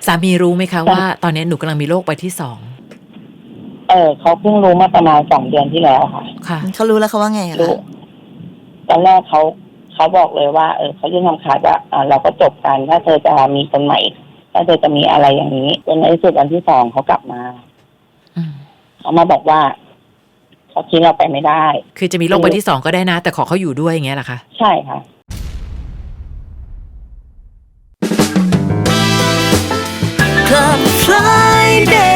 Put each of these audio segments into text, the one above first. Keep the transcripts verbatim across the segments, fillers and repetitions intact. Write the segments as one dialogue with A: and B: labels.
A: สามีรู้ไหมคะว่าตอนนี้หนูกำลังมีโรคใบที่สอง
B: เออเขาเพิ่งรู้เมื่อประมาณสองเดือนที่แล้วค่ะ
A: ค่ะ
C: เขารู้แล้วเขาว่าไงอะ
B: รู้
C: คะ
B: ตอนแรกเขาเขาบอกเลยว่าเออเขายื่นคำขาดว่าอ่าเราก็จบกันถ้าเธอจะมีคนใหม่ถ้าเธอจะมีอะไรอย่างนี้จนในที่สุดวันที่สองเขากลับมา
A: อืม
B: เขามาบอกว่าเขาทิ้งเราไปไม่ได้
A: คือจะมีโรคใบที่สองก็ได้นะแต่ขอเขาอยู่ด้วยอย่างเงี้ยเหรอคะ
B: ใช่ค่ะ
C: Club Friday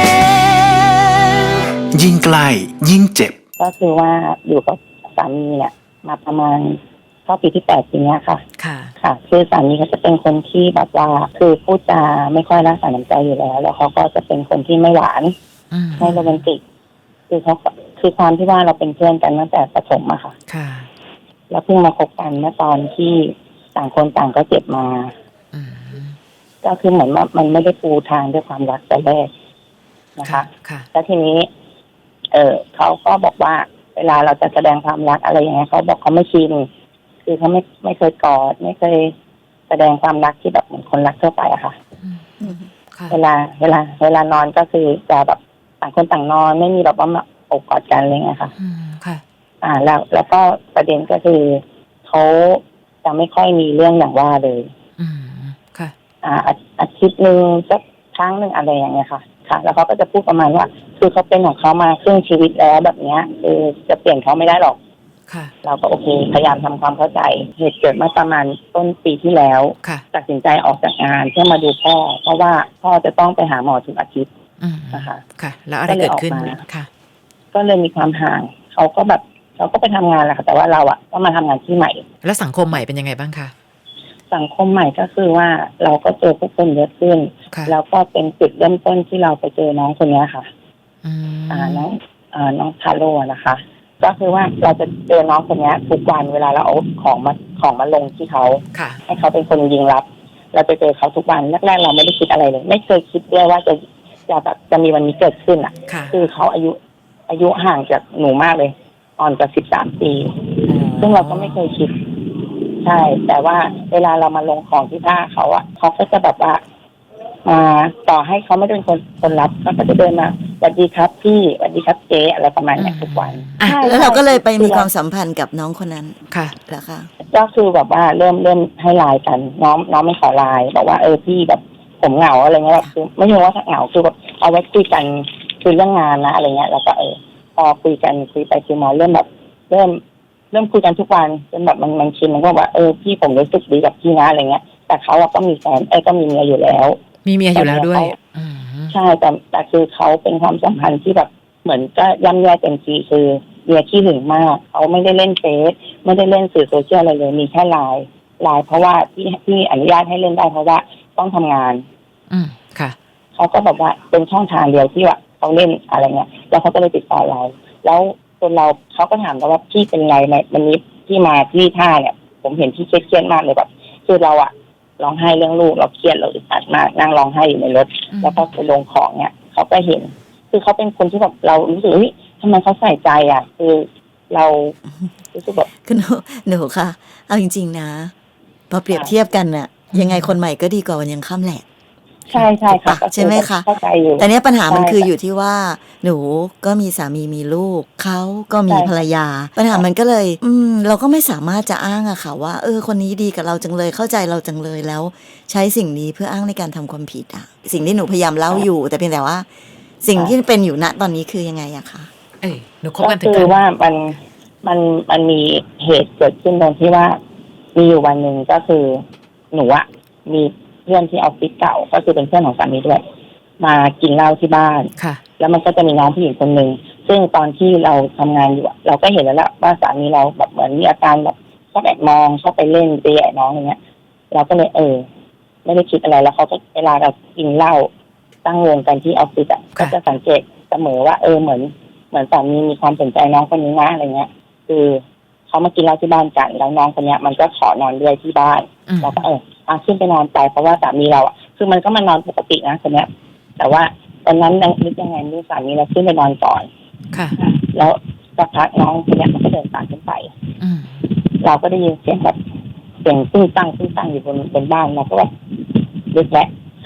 D: ยิ่งใกล้ยิ่งเจ็บ
B: ก็คือว่าอยู่กับสามีเนี่ยมาประมาณเข้าปีที่แปดปีนี้ค่ะ
A: ค่ะ
B: ค่ะคือสามีเขาจะเป็นคนที่แบบว่าคือพูดจาไม่ค่อยรักษาน้ำใจอยู่แล้วแล้วเขาก็จะเป็นคนที่ไม่หวานไม่โรแมนติกคือเขาคือความที่ว่าเราเป็นเพื่อนกันตั้งแต่ประถมอะค่ะ
A: ค่ะ
B: แล้วเพิ่งมาคบกันเมื่อตอนที่ต่างคนต่างก็เจ็บมาก็คือเหมือนว่ามันไม่ได้ปูทางด้วยความรักแต่แรกนะคะแล้วทีนี้เออเขาก็บอกว่าเวลาเราจะแสดงความรักอะไรอย่างเงี้ยเขาบอกเขาไม่ชินคือเขาไม่ไม่เคยกอดไม่เคยแสดงความรักที่แบบเหมือนคนรักทั่วไปอะค่ะเวลาเวลาเวลานอนก็คือจะแบบต่างคนต่างนอนไม่มีแบบว่ามาอกกอดกันอะไรเงี้ยค่ะอ่าแล้วแล้วก็ประเด็นก็คือเขาจะไม่ค่อยมีเรื่องอย่างว่าเลยอ่าอาทิตย์นึงสักครั้งหนึ่งอะไรอย่างเงี้ยค่ะค่ะแล้วเขาก็จะพูดประมาณว่าคือเขาเป็นของเขามาครึ่งชีวิตแล้วแบบเนี้ยคือจะเปลี่ยนเขาไม่ได้หรอกเราก็โอเคพยายามทำความเข้าใจเหตุเกิดมาประมาณต้นปีที่แล้วตัดสินใจออกจากงานเพื่อมาดูพ่อเพราะว่าพ่อจะต้องไปหาหมอทุกอาทิตย์นะคะ
A: ค่ะแล้วอะไรเกิดขึ้นค่ะ
B: ก็เลยมีความห่างเขาก็แบบเขาก็ไปทำงานแหละค่ะแต่ว่าเราอะก็มาทำงานที่ใหม่
A: แล้วสังคมใหม่เป็นยังไงบ้างคะ
B: สังคมใหม่ก็คือว่าเราก็เจอผู้คนเยอะขึ้นแล้วก็เป็นจุดเริ่มต้นที่เราไปเจอน้องคนนี้ค่ะอ่าน้องอ่าน้องทาโร่นะคะก็คือว่าเราจะเจอน้องคนนี้ทุกวันเวลาเราเอาของมาของมาลงที่เขาให้เขาเป็นคนยิงรับเราไปเจอเขาทุกวันแรกๆเราไม่ได้คิดอะไรเลยไม่เคยคิดด้วยว่าจะจะแบบจะมีวันนี้เกิดขึ้นอ่ะคือเขาอายุอายุห่างจากหนูมากเลยอ่อนกว่าสิบสามปีซึ่งเราก็ไม่เคยคิดใช่แต่ว่าเวลาเรามาลงของที่ท่าเขาอ่ะเขาก็จะแบบว่ามาต่อให้เขาไม่เป็นคนคนรับเขาก็จะเดินมาสวัสดีครับพี่สวัสดีครับเจ๊อะไรประมาณนี้ทุกวัน
C: แล้วเราก็เลยไปมีความสัมพันธ์กับน้องคนนั้น
A: ค่ะ
C: เหรอคะ
B: ก็คือแบบว่าเริ่มเริ่มให้ไลน์กันน้องน้องไม่ขอไลน์บอกว่าเออพี่แบบผมเหงาอะไรเงี้ยแบบคือไม่ใช่ว่าเหงาคือแบบเอาไว้คุยกันคุยเรื่องงานนะอะไรเงี้ยแล้วก็เออพอคุยกันคุยไปคุยมาเริ่มแบบเริ่มเริ่มคุยกันทุกวันจนแบบมันมันชินมันก็ว่าเออพี่ผมรู้สึกดีกับพี่นะอะไรเงี้ยแต่เขาอะก็มีแฟนเอ้ก็มีเมียอยู่แล้ว
A: มีเมียอยู่แล้วด้วย
B: ใช่แต่แต่คือเขาเป็นความสัมพันธ์ที่แบบเหมือนก็ย่ำแย่เต็มทีคือเมียขี้หึงมากเขาไม่ได้เล่นเฟซไม่ได้เล่นสื่อโซเชียลอะไรเลยมีแค่ไลน์ไลน์เพราะว่าที่ที่อนุญาตให้เล่นได้เพราะว่าต้องทำงาน
A: อืมค่ะ
B: เขาก็แบบว่าเป็นช่องทางเดียวที่ว่าเขาเล่นอะไรเงี้ยแล้วเขาก็เลยติดต่อเราแล้วจนเราเขาก็ถามเราว่าพี่เป็นไงในวันนี้ที่มาที่ท่าเนี่ยผมเห็นพี่เครียดมากเลยแบบคือเราอะร้องไห้เรื่องลูกเราเครียดเราอึดอัดมากนั่งร้องไห้อยู่ในรถแล้วก็ไปลงของเนี่ยเขาก็เห็นคือเขาเป็นคนที่แบบเรารู้สึกว่าทำไมเขาใส่ใจอ่ะคือเรารู้สึกแบบ
C: คือหนูหนูค่ะเอาจริงๆนะพอเปรียบเทียบกันน่ะยังไงคนใหม่ก็ดีกว่าวันยังค่ำแหละ
B: ใช่ใช่ค่ะ
C: ใช่ไหมคะ
B: เข้าใจอยู่
C: แต่เนี้ยปัญหามันคืออยู่ที่ว่าหนูก็มีสามีมีลูกเขาก็มีภรรยาปัญหามันก็เลยอืมเราก็ไม่สามารถจะอ้างอะค่ะว่าเออคนนี้ดีกับเราจังเลยเข้าใจเราจังเลยแล้วใช้สิ่งนี้เพื่ออ้างในการทำความผิดอะสิ่งที่หนูพยายามเล่าอยู่แต่เพียงแต่ว่าสิ่งที่เป็นอยู่ณตอนนี้คือยังไงอะคะ
A: เอ้ยหนูคบกันถึง
B: ก็คือว่ามันมันมันมีเหตุเกิดขึ้นตรงที่ว่ามีอยู่วันหนึ่งก็คือหนูอะมีเพื่อนที่ออฟฟิศเก่าก็คือเป็นเพื่อนของสามีด้วยมากินเหล้าที่บ้าน
A: ค่ะ
B: แล้วมันก็จะมีน้องผู้หญิงคนหนึ่งซึ่งตอนที่เราทำงานอยู่เราก็เห็นแล้วแหละว่าสามีเราแบบเหมือนมีอาการแบบชอบแอบมองชอบไปเล่นเตะน้องอย่างเงี้ยเราก็เลยเออไม่ได้คิดอะไรแล้วเขาก็เวลาเรากินเหล้าตั้งวงกันที่ออฟฟิศอ่ะก็จะสังเกตเสมอว่าเออเหมือนเหมือนสามีมีความสนใจน้องคนนี้นะอะไรเงี้ยคือเขามากินเหล้าที่บ้านกันแล้วน้องคนเนี้ยมันก็ขอนอนด้วยที่บ้านเราก็เอออ่ะขึ้นไปนอนไปเพราะว่าสามีเราอ่ะคือมันก็มานอนปกตินะคนเนี้ยแต่ว่าตอนนั้นนึกยังไงนึกสามีเราขึ้นไปนอนก่อน
A: ค่ะ
B: แล้วสักพักน้องคนเนี้ยมันก็เดินตามขึ้นไปเราก็ได้ยินเสียงแบบเสียงตึ้งตั้งตึ้งตั้งอยู่บนบนบ้านเราก็แบบลึกแหละใค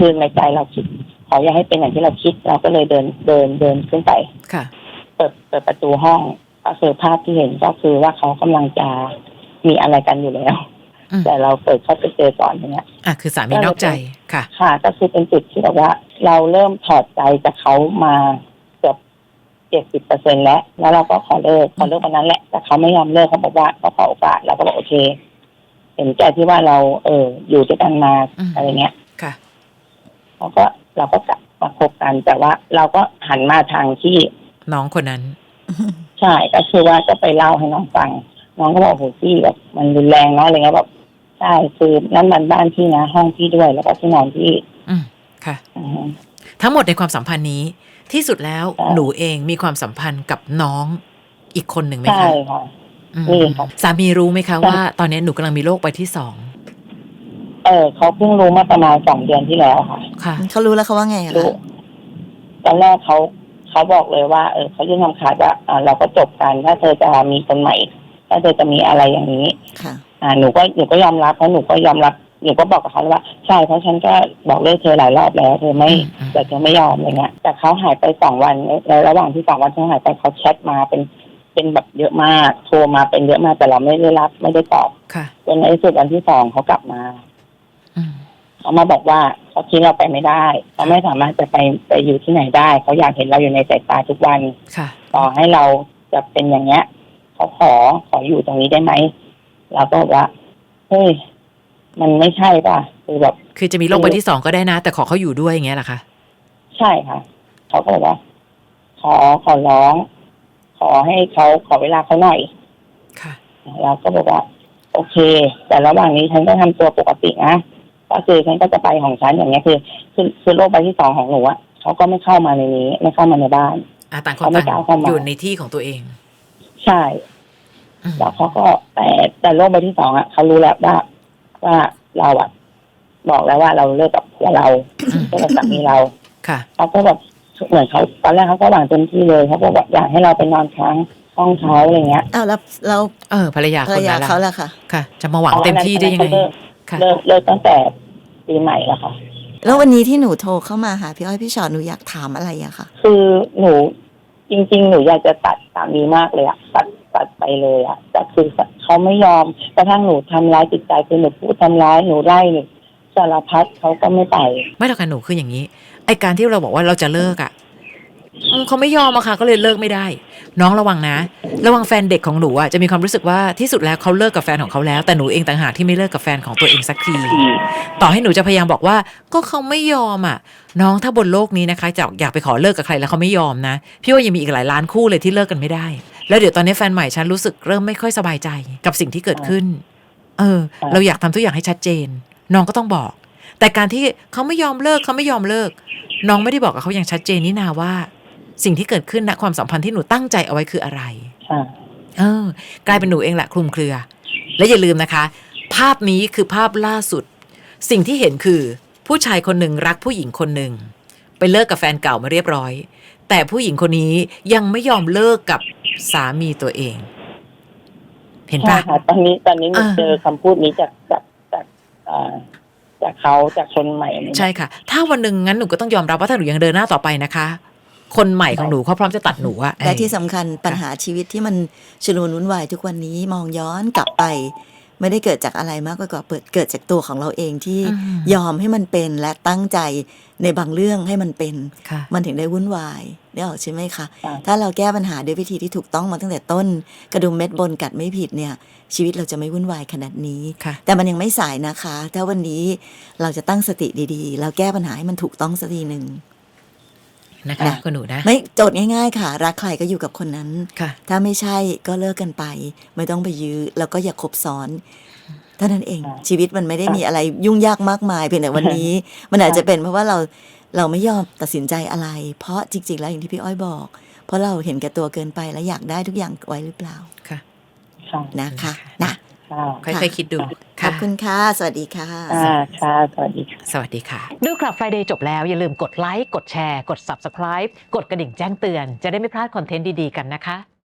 B: คือในใจเราคิดขออย่าให้เป็นอย่างที่เราคิดเราก็เลยเดินเดินเดินขึ้นไป
A: ค่ะ
B: เปิดเปิดประตูห้องก็คือภาพที่เห็นก็คือว่าเขากำลังจะมีอะไรกันอยู่แล้ว
A: อืม
B: แต่เราเปิดเข้าไปเจอก่อนอย่างเงี้ย
A: อ่ะคือสามีนอกใจค่ะ
B: ค่ะ ก็คือเป็นจุดที่แบบว่า เราเริ่มถอดใจจากเขามาเกือบเจ็ดสิบเปอร์เซ็นแล้ว แล้วเราก็ขอเลิกขอเลิกวันนั้นแหละแต่เขาไม่ยอมเลิกเขาบอกว่าเขาขอโอกาสเราก็บอกโอเค เห็นใจที่ว่าเรา เออ อยู่ด้วยกันมา
A: อืม
B: อะไรเงี้ย
A: ค่ะ
B: เราก็เราก็กลับมาคบกัน แต่ว่าเราก็หันมาทางที่
A: น้องคนนั้น
B: ใช่ก็คือว่าก็ไปเล่าให้น้องฟังน้องก็บอกโหพี่แบบมันรุนแรงเนาะอะไรเงี้ยแบบใช่คือนั่นมันบ้านพี่นะห้องพี่ด้วยแล้วก็ที่นอนพี่
A: อืมค่ะ
B: อือฮึ
A: ทั้งหมดในความสัมพันธ์นี้ที่สุดแล้ว
B: ใช่
A: หนูเองมีความสัมพันธ์กับน้องอีกคนหนึ่งไหม
B: ใช่
A: คะ
B: ค่ะ
A: อืม
B: นี่ค่ะ
A: สามีรู้ไหมคะ
B: ใช่
A: ว่า ตอนนี้หนูกำลังมีโรคใบที่สอง
B: เออเขาเพิ่งรู้มาประมาณสองเดือนที่แล้วค่ะ
A: ค่ะ
C: เขารู้แล้วเขาว่าไงอะ
B: รู้
C: คะ
B: ตอนแรกเขาเขาบอกเลยว่าเออเขายื่นคำขาดว่าอ่าเราก็จบกันถ้าเธอจะมีคนใหม่ ถ้าเธอจะมีอะไรอย่างนี้
C: ค่ะ
B: อ่าหนูก็หนูก็ยอมรับเพราะหนูก็ยอมรับหนูก็บอกกับเขาว่าใช่เพราะฉันก็บอกเลิกเธอหลายรอบแล้วเธอไม่
A: อืม
B: แต่เธอไม่ยอมอะไรเงี้ยแต่เขาหายไปสองวันในระหว่างที่สองวันเขาหายไปเขาแชทมาเป็นเป็นแบบเยอะมากโทรมาเป็นเยอะมากแต่เราไม่ได้รับไม่ได้ตอบ
A: ค่ะ
B: จนในที่สุดวันที่สองเขากลับมา
A: อืม
B: เขามาบอกว่าเขาทิ้งเราไปไม่ได้เขาไม่สามารถจะไปไปอยู่ที่ไหนได้เขาอยากเห็นเราอยู่ในสายตาทุกวัน
A: ค่ะ
B: ต่อให้เราจะเป็นอย่างเงี้ยเขาขอขออยู่ตรงนี้ได้ไหมเราก็บอกว่าเฮ้ยมันไม่ใช่ป่ะคือแบบ
A: คือจะมีโรคใบที่สองก็ได้นะ แต่ขอเขาอยู่ด้วยอย่างเงี้ยเหรอคะ
B: ใช่ค่ะเขาก็บอกว่า ขอขอร้อง ขอให้เขาขอเวลาเขาหน่อย
A: ค่ะ
B: เราก็บอกว่า โอเค แต่ระหว่างนี้ฉันก็ทำตัวปกตินะก็คือฉันก็จะไปของฉันอย่างเงี้ยคือคือคือโรคใบที่สองของหนูอะเขาก็ไม่เข้ามาในนี้ ไม่เข้ามาในบ้าน
A: อ่ะต่างคน
B: เขาไม่
A: ต่าง
B: กล้าเข้ามา
A: อยู่ในที่ของตัวเอง
B: ใช่
A: อืม
B: แล้วเขาก็แต่แต่โรคใบที่สองอะเขารู้แล้วว่าว่าเราอะบอกแล้วว่าเราเลิกกับผัวเราเลิกกับสามีเรา
A: ค่ะ
B: เขาก็แบบเหมือนเขาตอนแรกเขาก็หวังเต็มที่เลยเขาก็บอกอยากให้เราไปนอนค้างห้องเขาอะไรเงี้ย
C: อ้าวแล้วเรา
A: เออภรรยา
C: ภ
A: ค
C: รร
A: น
C: ยา
A: นั้น
C: เขา
A: ล่ะ
C: ล่ะค่ะ
A: ค่ะ จะมาหวังเต็มที่ได้ยังไง
B: เลิก
A: ค่ะ
B: เลิกเลิกตั้งแต่ปีใหม่แล้วค่ะ
C: แล้ววันนี้ที่หนูโทรเข้ามาหาพี่อ้อยพี่ชอตหนูอยากถามอะไรอะค่ะ
B: คือหนูจริง ๆ หนูอยากจะตัดสามีมากเลยอะตัดตัดไปเลยอะแต่คือเขาไม่ยอมกระทั่งหนูทำร้ายจิตใจคือหนูพูดทำร้ายหนูไล่หนูสารพัดเขาก็ไม่ไป
A: ไม่หรอกค่ะหนูคืออย่างนี้ ไอการที่เราบอกว่าเราจะเลิกอ่ะอืมเขาไม่ยอมอะค่ะก็เลยเลิกไม่ได้ น้องระวังนะ ระวังแฟนเด็กของหนูอ่ะจะมีความรู้สึกว่าที่สุดแล้วเขาเลิกกับแฟนของเขาแล้วแต่หนูเองต่างหากที่ไม่เลิกกับแฟนของตัวเองสักที ต่อให้หนูจะพยายามบอกว่าก็เขาไม่ยอมอ่ะ น้องถ้าบนโลกนี้นะคะจะอยากไปขอเลิกกับใครแล้วเขาไม่ยอมนะพี่ว่ายังมีอีกหลายล้านคู่เลยที่เลิกกันไม่ได้ แล้วเดี๋ยวตอนนี้แฟนใหม่ฉันรู้สึกเริ่มไม่ค่อยสบายใจกับสิ่งที่เกิดขึ้น เออ เราอยากทำทุกอย่างให้ชัดเจน น้องก็ต้องบอก แต่การที่เขาไม่ยอมเลิกเขาไม่ยอมเลิก น้องไม่ได้บอกกับเขาอย่างชัดเจนนี่นาว่า สิ่งที่เกิดขึ้นณความสัมพันธ์ที่หนูตั้งใจเอาไว้คืออะไร
B: ค่ะ
A: เออกลายเป็นหนูเองแหละคลุมเครือ และอย่าลืมนะคะ ภาพนี้คือภาพล่าสุด สิ่งที่เห็นคือ ผู้ชายคนหนึ่งรักผู้หญิงคนหนึ่งไปเลิกกับแฟนเก่ามาเรียบร้อย แต่ผู้หญิงคนนี้ยังไม่ยอมเลิกกับสามีตัวเอง เห็น
B: ใช่
A: ปะ
B: ค่ะตอนนี้ตอนนี้หนู
A: อ่า
B: เจอคำพูดนี้จากจากจากอ่าจากเขาจากคนใหม่เนี่ย
A: ใช่ค่ะ ถ้าวันหนึ่งงั้นหนูก็ต้องยอมรับว่าถ้าหนูยังเดินหน้าต่อไปนะคะ คนใหม่ของหนูเขาพร้อมจะตัดหนูอะ
C: และที่สำคัญปัญหาชีวิตที่มันชุลมุนวุ่นวายทุกวันนี้มองย้อนกลับไป ไม่ได้เกิดจากอะไรมากกว่าเปิดเกิดจากตัวของเราเองที่
A: อืม
C: ยอมให้มันเป็นและตั้งใจในบางเรื่องให้มันเป็น
A: ค่ะ
C: มันถึงได้วุ่นวายได้ออกใช่ไหมคะ
B: ค่ะ
C: ถ้าเราแก้ปัญหาด้วยวิธีที่ถูกต้องมาตั้งแต่ต้น กระดุมเม็ดบนกัดไม่ผิดเนี่ย ชีวิตเราจะไม่วุ่นวายขนาดนี้
A: ค่ะ
C: แต่มันยังไม่สายนะคะ ถ้าวันนี้เราจะตั้งสติดีๆ แล้วแก้ปัญหาให้มันถูกต้องสักทีหนึ่ง
A: นะคะ
C: นะ
A: คุณหนูนะ
C: ไม่โจทย์ง่ายๆค่ะ รักใครก็อยู่กับคนนั้น
A: ค่ะ
C: ถ้าไม่ใช่ก็เลิกกันไป ไม่ต้องไปยื้อแล้วก็อย่าคบซ้อนเท่านั้นเอง
B: ค่ะ
C: ชีวิตมันไม่ได้มีอะไรยุ่งยากมากมายเพียงแต่วันนี้ มันอาจจะเป็นเพราะว่าเราเราไม่ยอมตัดสินใจอะไร เพราะจริงๆแล้วอย่างที่พี่อ้อยบอก เพราะเราเห็นแก่ตัวเกินไปและอยากได้ทุกอย่างไว้หรือเปล่า
A: ค่ะ
B: ค่ะ
C: นะคะนะ
B: ค่ะ
A: ค่อยๆคิดดู
C: ขอบคุณค่ะ สวัสดีค่ะ
B: อ่าค่ะสวัสดีค่ะ
A: สวัสดีค่ะ
E: ดูคลับ Friday จบแล้วอย่าลืมกดไลค์ กดแชร์ กด Subscribe กดกระดิ่งแจ้งเตือน จะได้ไม่พลาดคอนเทนต์ดี ๆ กันนะคะ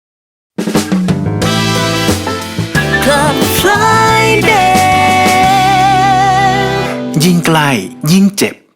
C: Club Friday
D: ยิ่งใกล้ยิ่งเจ็บ